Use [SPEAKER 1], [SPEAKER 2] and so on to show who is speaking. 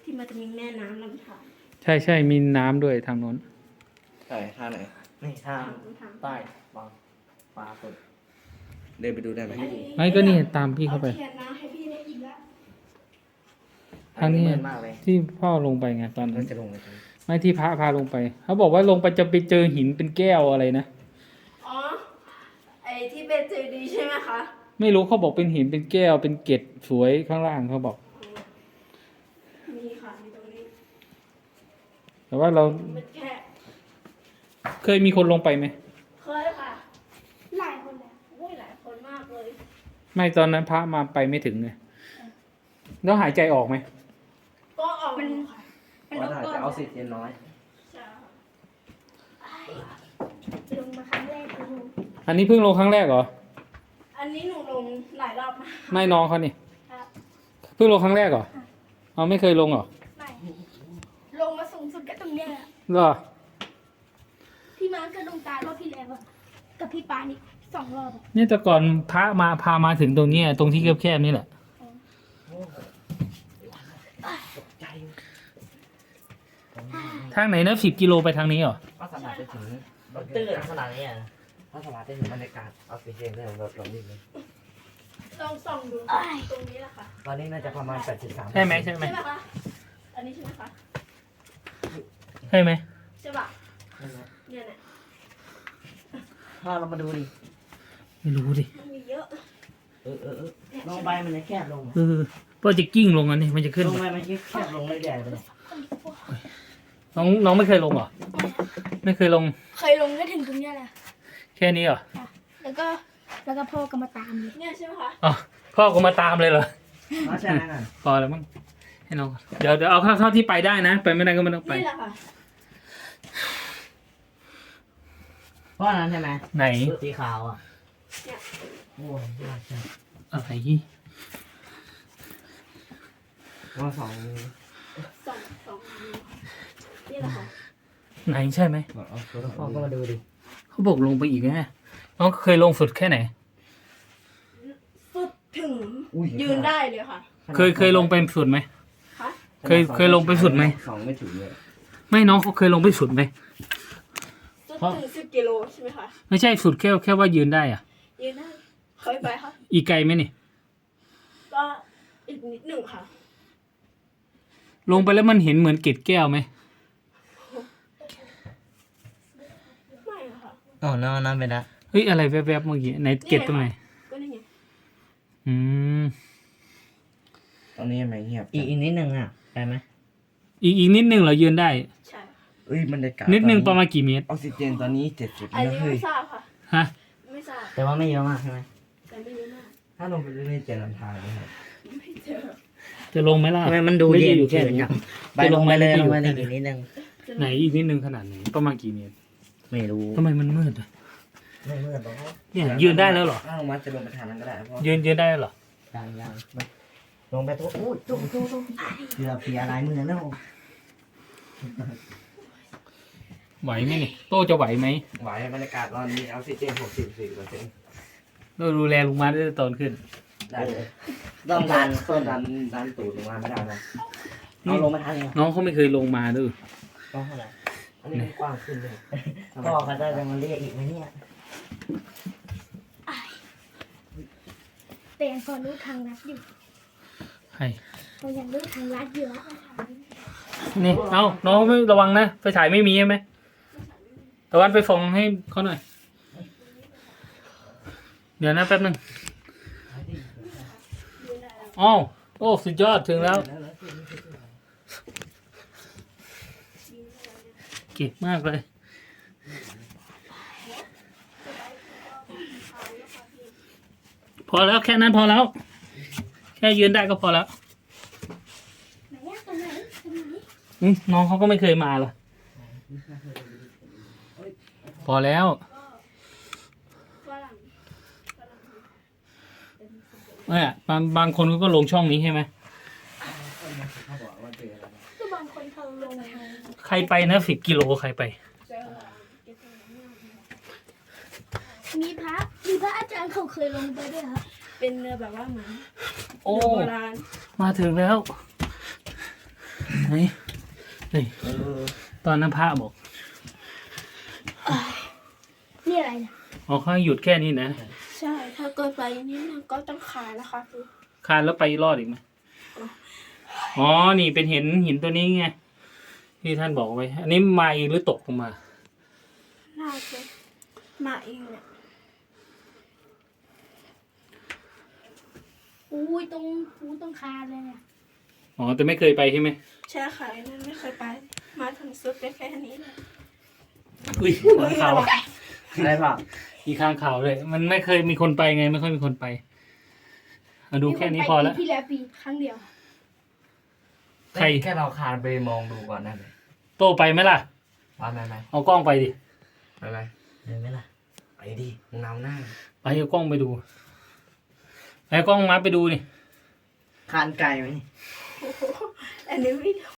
[SPEAKER 1] ที่มันจะมีแม่น้ำลำธาร
[SPEAKER 2] ใช่มีน้ำด้วยทางโน้น
[SPEAKER 3] ใช่ท่าไหน
[SPEAKER 4] นี่ทางใต้บางปลาสด
[SPEAKER 3] เดินไปดูได้ไหม
[SPEAKER 2] ไม่ก็นี่ตามพี่เข้าไป
[SPEAKER 1] เทียนน้ำให้พี่ได้อีกแล้ว
[SPEAKER 2] ทางนี้
[SPEAKER 4] เมินมากเลย
[SPEAKER 2] ที่พ่อลงไปไงตอน
[SPEAKER 4] มั
[SPEAKER 2] นั้น น
[SPEAKER 4] จะลงไปตรงนี้
[SPEAKER 2] ไม่ที่พระพาลงไปเขาบอกว่าลงไปจะไปเจอหินเป็นแก้วอะไรนะ
[SPEAKER 1] อ๋อไอ้ที่เป็นเจดีย์ใช่ไหมคะ
[SPEAKER 2] ไม่รู้เขาบอกเป็นหินเป็นแก้วเป็นเกล็ดสวยข้างล่างเขาบอก
[SPEAKER 1] มีค่ะมีตรงนี้
[SPEAKER 2] แต่ว่าเรา
[SPEAKER 1] มันแค่
[SPEAKER 2] เคยมีคนลงไปไหม
[SPEAKER 1] เคยค่ะหลายคนเลยโอ้ยหลายคนมากเลย
[SPEAKER 2] ไม่ตอนนั้นพระมาไปไม่ถึงไงแล้วหายใจออกไหม
[SPEAKER 1] ก็ออกมันค่ะ
[SPEAKER 4] เพราะอาจจะออกซิเจนน้อย
[SPEAKER 1] ใช่
[SPEAKER 5] ลงมาครั้งแรกคือลง
[SPEAKER 2] อันนี้เพิ่งลงครั้งแรกเหรอ
[SPEAKER 1] อันนี้หนูลงหลายรอบมาก
[SPEAKER 2] ไม่น้องเขานี่
[SPEAKER 1] ครับ
[SPEAKER 2] เพิ่งลงครั้งแรกเหรอเอาไม่เคยลงเหรอ
[SPEAKER 5] ไม่ลงมาสูงสุดก็ตรงเนี้ยแหละ
[SPEAKER 2] เหรอ
[SPEAKER 5] พี่มาร์คก็ลงตารอบที่แล้วอะกับพี่ปานี่2 รอบอะ
[SPEAKER 2] เนี่ยแต่ก่อนพระมาพามาถึงตรงเนี้ยตรงที่แคบๆนี่แหละ
[SPEAKER 4] ใจ
[SPEAKER 2] ทางไหนนะ10 กิโลไปทางนี้เหรอ
[SPEAKER 4] ก็สามารถไปถึงตื้นขนาดนี้อ่ะถ้าสามารถไปถึงบรรยากาศออกซิเจนได้เราลงนี่เลย
[SPEAKER 1] ต้องส่องดูตรงนี้แหละค่ะ
[SPEAKER 4] ตอนนี้น่าจะประมาณ83
[SPEAKER 2] ใช่ไหมใช่ไหม
[SPEAKER 1] ใช่ไหมคะ อันนี้ใช่ไหมคะ
[SPEAKER 2] ใช่ไหม
[SPEAKER 1] ใช่ป่ะเนี่ยเนี่ย
[SPEAKER 4] ถ้าเรามาดูดิ
[SPEAKER 2] ไม่รู้ดิ
[SPEAKER 1] มันมีเยอะ
[SPEAKER 4] ลงไปมันจะแคบลง
[SPEAKER 2] ก็จะกิ้งลงอันนี้มันจะขึ้น
[SPEAKER 4] ลงไปมันจะแคบลงเรื่อยๆไปเลย
[SPEAKER 2] น้องไม่เคยลงเหรอไม่เคยลง
[SPEAKER 5] เคยลงก็ถึงตรงเนี้ยแหละ
[SPEAKER 2] แค่นี้เหรอ
[SPEAKER 5] แล้วก็พ่อก็มาตามเลย
[SPEAKER 1] เนี่ยใช่ไหมคะ
[SPEAKER 2] อ๋อพ่อก็มาตามเลยเหรอ
[SPEAKER 4] ใช่ไหมนั่น
[SPEAKER 2] พอแล้วมั้งให้น้องเดี๋ยวเอาเท่าที่ไปได้นะ ไปไม่ได้ก็ไม่ต้องไป
[SPEAKER 1] นี่แหละค่ะ
[SPEAKER 4] เพราะนั้นใช่ไหม
[SPEAKER 2] ไหน
[SPEAKER 4] สีขาวอ่ะ
[SPEAKER 1] เนี่ย
[SPEAKER 4] โอ้ยยากจัง
[SPEAKER 2] อะไร
[SPEAKER 4] ว่าสอง
[SPEAKER 1] สองนี่แหละค่ะ
[SPEAKER 2] ไหนใช่ไหม
[SPEAKER 4] พ่อก็มาดูดิ
[SPEAKER 2] เขาบอกลงไปอีกนะน้องเคยลงสุดแค่ไหน
[SPEAKER 1] สุดถึงยืนได้เลยค่ะ
[SPEAKER 2] เคยลงไปสุดไหม
[SPEAKER 1] คะ
[SPEAKER 2] เคยลงไปสุดไหม
[SPEAKER 3] สองไม่ถึงเลย
[SPEAKER 2] ไม่น้องเขาเคยลงไปสุดไหม
[SPEAKER 1] สุดถึง10 กิโลใช่ไหมคะ
[SPEAKER 2] ไม่ใช่สุดแค่ว่ายืนได้อะ
[SPEAKER 1] ยืนได้เคยไปค่ะ
[SPEAKER 2] อีกไกลไหมนี่
[SPEAKER 1] ก็อีกนิดหนึ่งค่ะ
[SPEAKER 2] ลงไปแล้วมันเห็นเหมือนเกล็ดแก้วไหม
[SPEAKER 1] ไม่ค่ะ
[SPEAKER 4] อ๋อนั่นไปนะ
[SPEAKER 2] เฮ้ยอะไรแวบๆเมื่อกี้ไหนเกล็ดตรงไหน
[SPEAKER 1] ก็นี่ไง
[SPEAKER 2] อืม
[SPEAKER 3] ตอนนี้ทำไมเงียบ
[SPEAKER 4] อีกนิดนึงอ่ะได้ไหม
[SPEAKER 2] อีกนิดนึงเหรอยืนได้
[SPEAKER 1] ใช่
[SPEAKER 3] เอ้ยบรรยากาศ
[SPEAKER 2] นิดนึงประมาณกี่เมตร
[SPEAKER 3] ออกซิเจนตอนนี้70
[SPEAKER 1] อัน
[SPEAKER 3] แล้ว
[SPEAKER 1] นี้
[SPEAKER 3] เฮ้ย
[SPEAKER 1] ไม่ทราบค่ะ
[SPEAKER 2] ฮะ
[SPEAKER 1] ไม่ทราบ
[SPEAKER 4] แต่ว่าไม่เยอะมากใช่ไหม
[SPEAKER 1] แต่ไม่รู้มาก
[SPEAKER 3] ถ้าลงไปเรื่อยๆจะลำธารนะครับ
[SPEAKER 1] ไม่เจอ
[SPEAKER 2] จะลงไหมล่ะ
[SPEAKER 4] ทำไมมันดู
[SPEAKER 2] ไม่
[SPEAKER 4] เย็
[SPEAKER 2] ได้
[SPEAKER 4] น
[SPEAKER 2] อยู่แค่
[SPEAKER 4] เกิน
[SPEAKER 2] นี้
[SPEAKER 4] จังไปลงไปเลยลงไปเลยอีกนิดนึง
[SPEAKER 2] ไหนอีกนิดนึงขนาดไหนประมาณกี่เมตร
[SPEAKER 4] ไม่รู้
[SPEAKER 2] ทำไมมันมืดอะ
[SPEAKER 4] ไม่เมื่อบอก
[SPEAKER 2] เนี่ยยืนได้แล้วเหรอ
[SPEAKER 3] ถ้าลงมาจะลงไปทางนั้นก็ได้เพราะ
[SPEAKER 2] ยืนได้แล้วเหรอ
[SPEAKER 4] ยังลงไปตัวอุ้ยตุ้มเกือบเสียลายมือแล้ว
[SPEAKER 2] ไหวไหมนี่โต้จะไหวไหม
[SPEAKER 3] ไหวบรรยากาศตอนนี้ออกซิเจน64%
[SPEAKER 2] เราดูแลลุงมาได้ตอนขึ้น
[SPEAKER 3] ได้เลย
[SPEAKER 4] ต้องดัน
[SPEAKER 3] ต้นดันตูดลงมาไม่ได้นะ
[SPEAKER 4] เอาลงมาทางนี้
[SPEAKER 2] น้องเขาไม่เคยลงมาด้วย
[SPEAKER 4] ต้องเท่าไหร่
[SPEAKER 3] อันนี้มันกว้างขึ้นเลย
[SPEAKER 4] พ่อเขาจะมาเรียกอีกไหมเนี่ย
[SPEAKER 5] แต่ยังพอรู้ทางลัดอยู่
[SPEAKER 2] ให้
[SPEAKER 5] เรายังรู้ทางลัดอยู่แล้ว
[SPEAKER 2] นี่เอาน้องไม่ระวังนะไฟฉายไม่มีใช่ไหมตะวันไปฟองให้เขาหน่อย เดี๋ยวนะแป๊บนึงอ้าวโอ้สุดยอดถึงแล้วเก่งมากเลย พอแล้วแค่นั้นพอแล้ว แค่ยืนได้ก็พอแล้ว
[SPEAKER 5] ไหนอะตรงไหน
[SPEAKER 2] น้องเขาก็ไม่เคยมาหรอพอแล้ว
[SPEAKER 1] ฝรั่ง
[SPEAKER 2] เนี่ยบางคนก็ลงช่องนี้ใช่ไหม
[SPEAKER 5] ก็บางคนเขาลงทาง
[SPEAKER 2] ใครไปนะ10 กิโลใครไป
[SPEAKER 1] เจอ
[SPEAKER 5] มีพระอาจารย์เขาเคยลงไปด้วยครับ
[SPEAKER 1] เป็นเรือแบบว่าเหมือน
[SPEAKER 2] โอ้
[SPEAKER 1] เรือโบราณ
[SPEAKER 2] มาถึงแล้ว โไหนนี่ตอนนั้นพระบอก
[SPEAKER 5] นี่อะไรเนี่ย
[SPEAKER 2] อ๋อเขาให้หยุดแค่นี้นะ
[SPEAKER 1] ใช่ ถ้าเกิดไปนี้มันก็ต้องขายนะคะคือ
[SPEAKER 2] คานแล้วไปรอดอีกไหมอ๋อ นี่เป็นหินตัวนี้ไง ที่ท่านบอกไว้ อันนี้มาเองหรือตกลงมา
[SPEAKER 1] น่าจะมาเองเนี่ย
[SPEAKER 5] อุ้ยตรงคานเลยเนี่ย
[SPEAKER 2] อ๋อ แต่ไม่เคยไปใช่ไหม
[SPEAKER 1] ใช่ค่ะนั่นไม่เคยไป มาถึงสุดได้แค่นี้เลย
[SPEAKER 2] อุ้ยข้างข่าว
[SPEAKER 4] ได้ป่ะ
[SPEAKER 2] มีข้างข่าวเลย มันไม่เคยมีคนไปไง ไม่ค่อยมีคนไปเอาดูแค่นี้พอแล้ว
[SPEAKER 5] ปีที่แล้วปีครั้งเดียว
[SPEAKER 2] ใคร
[SPEAKER 4] แค่เราคานไปมองดูก่อนได้ไหม
[SPEAKER 2] โตไปไหมล่ะ
[SPEAKER 4] ว่าไหม
[SPEAKER 2] เอากล้องไปดิ
[SPEAKER 4] ไปไหมล่ะไปดิมึงนำหน้า
[SPEAKER 2] ไปเอากล้องไปดูไปเอากล้องมาไปดูนี่
[SPEAKER 4] คานไกลไหม
[SPEAKER 1] อันนี้ไม่